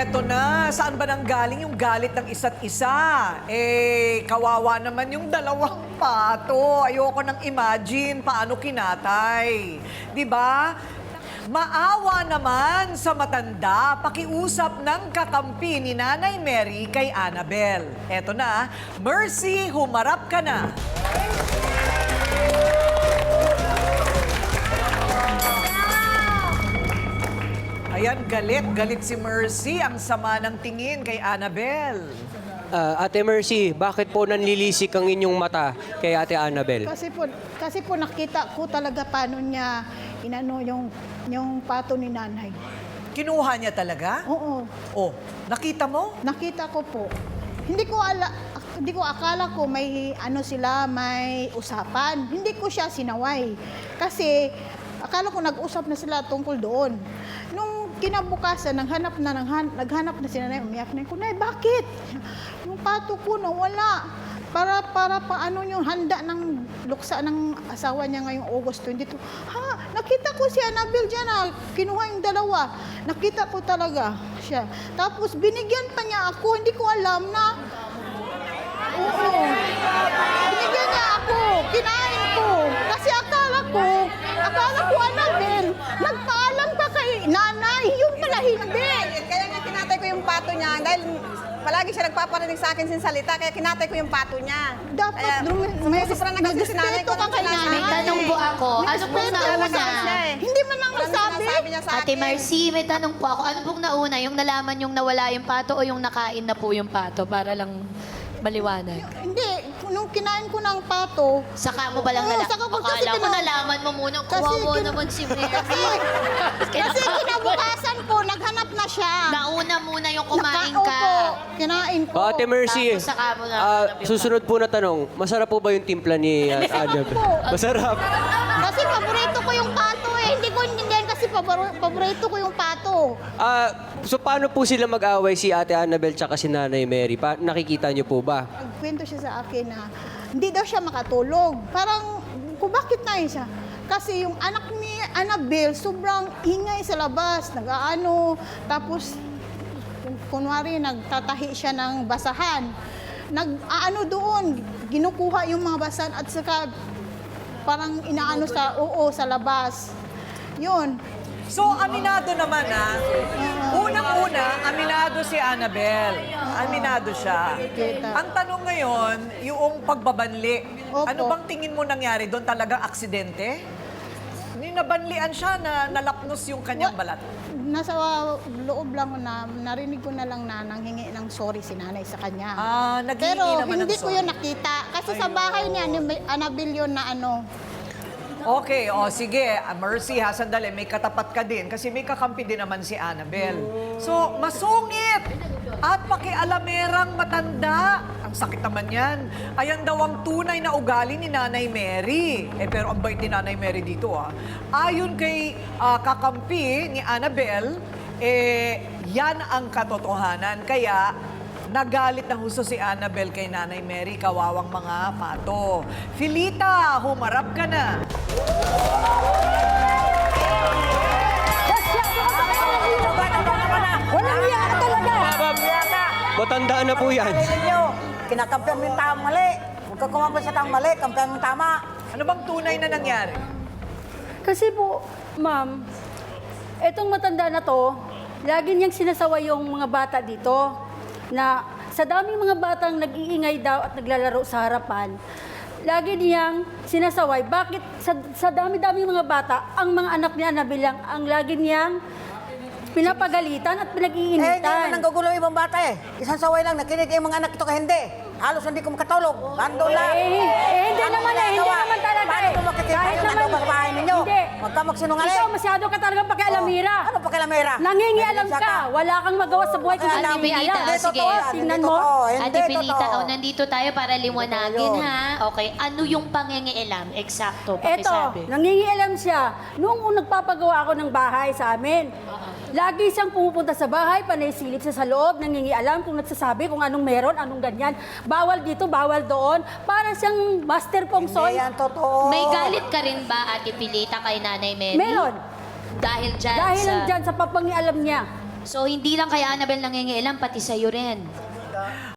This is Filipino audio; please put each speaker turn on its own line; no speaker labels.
eto na. Saan ba nanggaling yung galit ng isa't isa? Kawawa naman yung dalawang pato. Ayoko nang imagine paano kinatay. 'Di ba? Maawa naman sa matanda, pakiusap ng kakampi ni Nanay Mary kay Annabel. Eto na, Mercy, humarap ka na. Ayan, galit si Mercy. Ang sama ng tingin kay Annabel.
Ate Mercy, bakit po nanlilisik ang inyong mata kay Ate Annabel?
Kasi po nakita ko talaga paano niya inano yung pato ni nanay.
Kinuha niya talaga?
Oo,
Oh, nakita mo?
nakita ko po. Hindi ko akala ko may ano sila, may usapan. Hindi ko siya sinaway. Kasi akala ko nag-usap na sila tungkol doon. Nung kinabukasan, naghanap na si nanay, umiyak na ko, "Nay, bakit? Yung pato ko nawala." Para paano yung handa ng luksa ng asawa niya ngayong August 22. Ha, nakita ko si Annabel dyan, kinuha yung dalawa. Nakita ko talaga siya. Tapos binigyan pa niya ako, hindi ko alam na. Oo. Binigyan niya ako, kinain ko. Kasi akala ko Annabel, nagpaalam ka kay nanay, yung pala hindi.
Kaya nga kinatay ko yung pato niya dahil palagi siya nagpaparinig sa akin sin salita, kaya kinatay ko yung pato niya.
Dapat may
nagrespeto
ka kay nanay.
May tanong po ako. Ano pong nauna?
Hindi man lang nasabi.
niya sa
Ate
akin.
Marcy, may tanong po ako. Ano pong nauna? Yung nalaman yung nawala yung pato o yung nakain na po yung pato? Para lang maliwanag.
Hindi, nung kinain ko ng pato,
Saka mo ba lang
Oo,
nalaman?
saka ko- kasi
Akala ko
kina-
nalaman mo muna.
Kasi
Kawawa
kin-
naman si Mary.
kasi kinabukasan po, naghanap na siya.
Nauna muna yung kumain
Opo,
ka.
kinain ko.
Ate Mercy,
Tapos saka mo na.
susunod po na tanong, masarap po ba yung timpla ni Annabel?
po.
Masarap.
Kasi paborito ko yung pato eh. Hindi ko intindihan kasi paborito ko yung pato.
So paano po sila mag-away si Ate Annabel tsaka si Nanay Mary? Nakikita niyo po ba?
Nagkwento siya sa akin na hindi daw siya makatulog. Parang, kung bakit na siya? Kasi yung anak ni Annabel, sobrang ingay sa labas. Nag-aano, tapos, kunwari, nagtatahi siya ng basahan. Nag-aano doon, ginukuha yung mga basahan at saka parang inaano sa labas. Yun.
So, aminado naman Unang-una, aminado si Annabel. Aminado siya.
Kita.
Ang tanong ngayon, yung pagbabanli.
Opo.
Ano bang tingin mo nangyari doon? Talagang aksidente? Nabanlian siya na nalapnos yung kanyang balat.
Nasa loob lang na narinig ko na lang na nanghingi ng sorry si nanay sa kanya.
Naghihingi
Pero
naman ng
hindi ko
sorry.
yun nakita. Kasi sa bahay niya, ni Annabel yun na ano.
Okay, sige. Mercy ha, sandali. May katapat ka din. Kasi may kakampi din naman si Annabel. So, masungit! At pakialamerang matanda. Ang sakit naman yan. Ayan daw ang tunay na ugali ni Nanay Mary. Pero ang bait ni Nanay Mary dito Ayon kay kakampi ni Annabel, yan ang katotohanan. Kaya, nagalit na husto si Annabel kay Nanay Mary, kawawang mga pato. Filita, humarap ka na.
Walang iya ka talaga.
Matanda na po yan.
Ninyo, kinakampihan mo yung tamang mali. Huwag ka kumampi sa tamang mali, kampihan mo yung tama.
Ano bang tunay na nangyari?
Kasi po, ma'am, etong matanda na to, lagi niyang sinasaway yung mga bata dito na sa daming mga batang nag-iingay daw at naglalaro sa harapan, lagi niyang sinasaway. Bakit sa dami-dami mga bata, ang mga anak niya na bilang ang lagi niyang pinapagalitan at
Hindi
pinag-iinitan.
naman nanggugulo yung ibang bata eh. Isang saway lang, nakinig yung mga anak ito ka hindi. Halos hindi ko makatulog. Ando lang.
Hindi naman hindi naman talaga
Paano kung makikita
Kahit
yung
naman,
ano, babae ninyo?
Hindi.
Huwag ka magsinungaling.
Ikaw, masyado ka talagang pakialamira.
Ano pa kalamera?
Nangingialam
May
ka. Wala kang magawa sa buhay kung
Ate
hindi
Pilita,
alam.
Hindi
sige.
totoo yan,
Tingnan
hindi
mo.
totoo, hindi
Ate Pilita,
totoo.
nandito tayo para liwanagin,
Ayun.
ha? Okay, ano yung pangingialam? Eksakto,
Eto,
pakisabi.
nangingialam siya. Noong nagpapagawa ako ng bahay sa amin, lagi siyang pumupunta sa bahay, panay silip siya sa loob, nangingialam kung nagsasabi kung anong meron, anong ganyan. Bawal dito, bawal doon. Para siyang master pong
Hindi
soy.
yan totoo.
May galit ka rin ba, Ate Pilita, kay Nanay Mary?
Meron.
Dahil dyan
Dahil
sa...
lang dyan sa papangialam niya.
So, hindi lang kay Annabel nangingialam, pati sa'yo rin.